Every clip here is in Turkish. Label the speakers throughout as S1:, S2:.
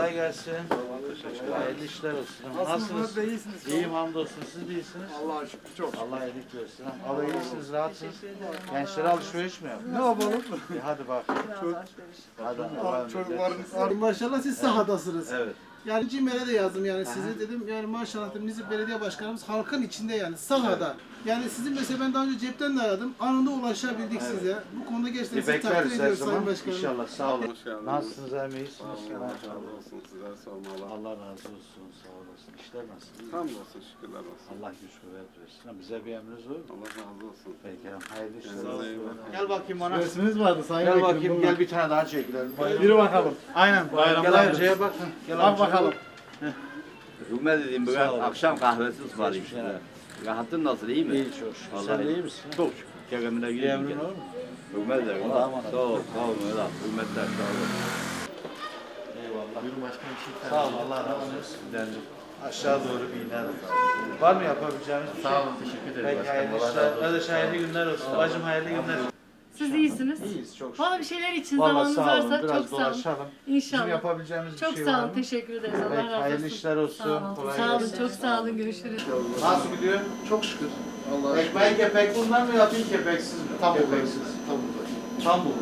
S1: Kolay gelsin. Hayırlı işler olsun. Nasılsınız?
S2: İyisiniz.
S1: İyiyim hamdolsun. Siz de iyisiniz.
S2: Allah'a şükür çok.
S1: Allah iyilik versin. Abi iyisiniz, rahatsınız. Gençlere alışveriş mi yapıyorsunuz?
S2: Ne yapalım?
S1: Hadi bakalım. Hadi.
S2: Çocukların maşallah siz sahadasınız.
S1: Evet.
S2: Yani CİMER'e de yazdım yani size dedim yani maşallah dedim Nizip Belediye Başkanımız halkın içinde yani sahada. Yani sizin mesela ben daha önce cepten de aradım. Anında ulaşabildik size. Bu konuda gerçekten sizi takdir
S1: Bekleriz her
S2: ediyoruz Sayın
S1: zaman.
S2: Başkanım.
S1: İnşallah. Sağ olun.
S3: Hoş geldiniz.
S1: Nasılsınız? Hem iyisiniz?
S3: Allah razı olsun, sizler sormalı.
S1: Allah razı olsun. Sağ olasın. İşler nasıl?
S3: Hamdolsun, şükürler olsun.
S1: Allah güç kuvvet versin. Bize bir emriniz var mı?
S3: Allah razı olsun.
S1: Peki. Hayırlı işler
S3: Kendinize iyi
S1: olsun.
S3: bakın.
S1: Gel bakayım bana.
S2: Resminiz vardı Sayın
S1: Gel
S2: Vekilim,
S1: bakayım.
S2: buyurun.
S1: Gel bir tane daha çekilelim.
S2: Yürü bakalım.
S1: Aynen. Gel amcaya bak. Gel
S2: Bak bakalım.
S4: Hükümet dediğim bugün
S1: Sağ olun.
S4: akşam kahvesi ısmarlayayım
S1: Geçmiş
S4: size. Rahatın nasıl, iyi mi?
S1: İyi çok şükür.
S4: Vallahi
S1: Sen de iyi misin?
S4: Çok şükür. Keremine
S1: Bir
S4: gireyim.
S1: emrin var mı?
S4: Hükümet de.
S1: Allah'a emanet.
S4: Sağ ol, sağ ol Mehmet abi. Hükümetler sağ ol.
S1: Eyvallah. Buyurun başkanım. Sağ ol. Allah razı olsun. Aşağı doğru bir iner. Var mı yapabileceğimiz bir şey? Sağ olun. Teşekkür ederim. Peki hayırlı işler. Kardeş hayırlı günler olsun. Bacım hayırlı günler.
S5: Siz iyisiniz.
S1: İyiyiz çok şükür.
S5: Bana bir şeyler için
S1: Vallahi
S5: zamanınız
S1: sağ olun.
S5: varsa
S1: Biraz
S5: çok sağ olun.
S1: dolaşalım. Bizim
S5: İnşallah.
S1: yapabileceğimiz bir
S5: Çok
S1: şey
S5: sağ
S1: var
S5: olun.
S1: mı?
S5: Teşekkür ederiz. Allah
S1: Peki,
S5: razı olsun.
S1: hayırlı işler olsun.
S5: Sağ olun.
S1: Kolay
S5: Sağ olun.
S1: gelsin.
S5: Çok sağ olun. Görüşürüz.
S1: Nasıl gidiyor?
S2: Çok şükür. Allah'a
S1: Ekmeği kepek bundan mı yapayım kepeksiz mi?
S2: Tam
S1: kepeksiz. Tam bu.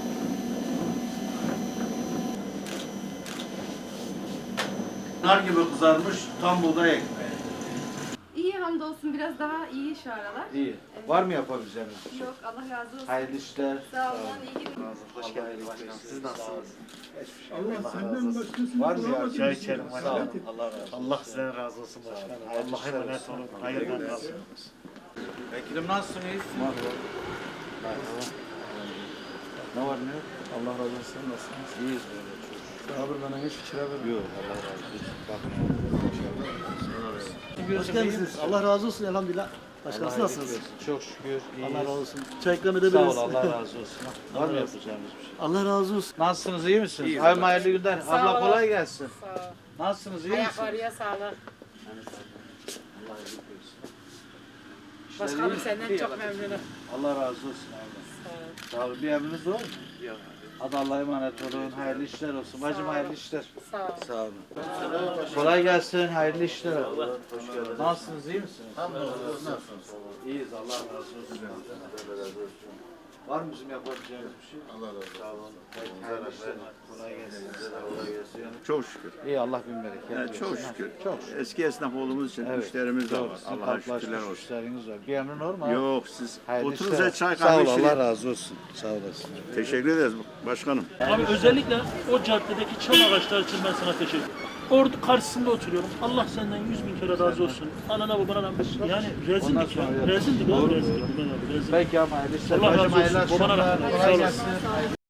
S1: Nar gibi kızarmış tam buğday ekmeği.
S6: İyi hamdolsun biraz daha iyi şu aralar.
S1: İyi. Var mı yapabileceğimiz bir şey?
S6: Yok Allah razı olsun.
S1: Hayırlı işler.
S6: Sağ olun iyi günler.
S1: Hoş geldiniz başkanım. Siz nasılsınız?
S2: Allah senden başkasını
S1: Var mı ya?
S7: Çay içelim
S1: Sağ olun.
S7: başkanım.
S1: Allah razı olsun.
S7: Allah sizden razı olsun başkanım.
S1: Hayırlı
S7: Allah'a
S1: işler
S7: emanet
S1: olsun.
S7: olun. Hayırlı olsun.
S1: Vekilim nasılsın? İyisin? Ne var ne yok?
S2: Allah razı olsun. Nasılsınız?
S1: İyiyiz böyle çok.
S2: Abi bana hiç fikir vermedim.
S1: Yok Allah razı olsun. Bakın.
S2: Hoş geldiniz. Allah razı olsun elhamdülillah. Başkanım siz nasılsınız?
S1: Çok şükür iyiyiz.
S2: Allah razı olsun. Çay ikram
S1: Sağ
S2: edebiliriz.
S1: ol Allah razı olsun. Var mı yapacağımız bir şey?
S2: Allah razı olsun.
S1: Nasılsınız iyi misiniz? Ay hayırlı günler. Abla kolay gelsin.
S5: Sağ ol.
S1: Nasılsınız iyi misiniz?
S5: Ayaklarıya sağlık.
S1: Allah iyilik versin. İşler
S5: Başkanım
S1: iyi.
S5: senden çok memnunum.
S1: Allah razı olsun abla. Sağ olun. Bir emriniz var mı? Yok. Hadi Allah'a emanet olun. Hayırlı işler olsun. Bacım hayırlı işler.
S5: Sağ ol.
S1: Sağ olun. Kolay gelsin. Hayırlı işler. Hoş geldiniz. Nasılsınız? İyi misiniz? Nasılsınız? İyiyiz. Allah razı olsun. Var mı bizim yapabileceğimiz bir şey? Allah razı olsun. Sağ olun. Hayırlı işler. Kolay gelsin.
S8: Çok şükür.
S1: İyi Allah bin bereket versin.
S8: Çok şükür.
S1: Çok şükür.
S8: Eski esnaf olduğumuz için
S1: Evet,
S8: müşterimiz de
S1: doğru.
S8: var.
S1: Sizin
S8: Allah'a
S1: kalplaşmış
S8: şükürler olsun.
S1: müşteriniz var. Bir emrin var mı? abi?
S8: Yok siz
S1: Hayırlı
S8: oturun
S1: işler.
S8: size çay
S1: Sağ
S8: kahve
S1: ol Allah
S8: içelim.
S1: razı olsun. Sağ olasın.
S8: Teşekkür ederiz başkanım.
S7: Abi özellikle o caddedeki çam ağaçları için ben sana teşekkür ederim. Orada karşısında oturuyorum. Allah senden 100.000 kere razı olsun. Anana babana rahmet. Yani rezildik ya.
S1: sonra
S7: Rezildik
S1: Doğru.
S7: abi rezildik. Rezildik.
S1: Peki ama hayırlı işler.
S7: Allah razı
S1: Bacım hayırlı
S7: olsun. Babana
S1: akşamlar.
S7: rahmet.
S1: Kolay
S7: Sağ olasın.
S1: gelsin.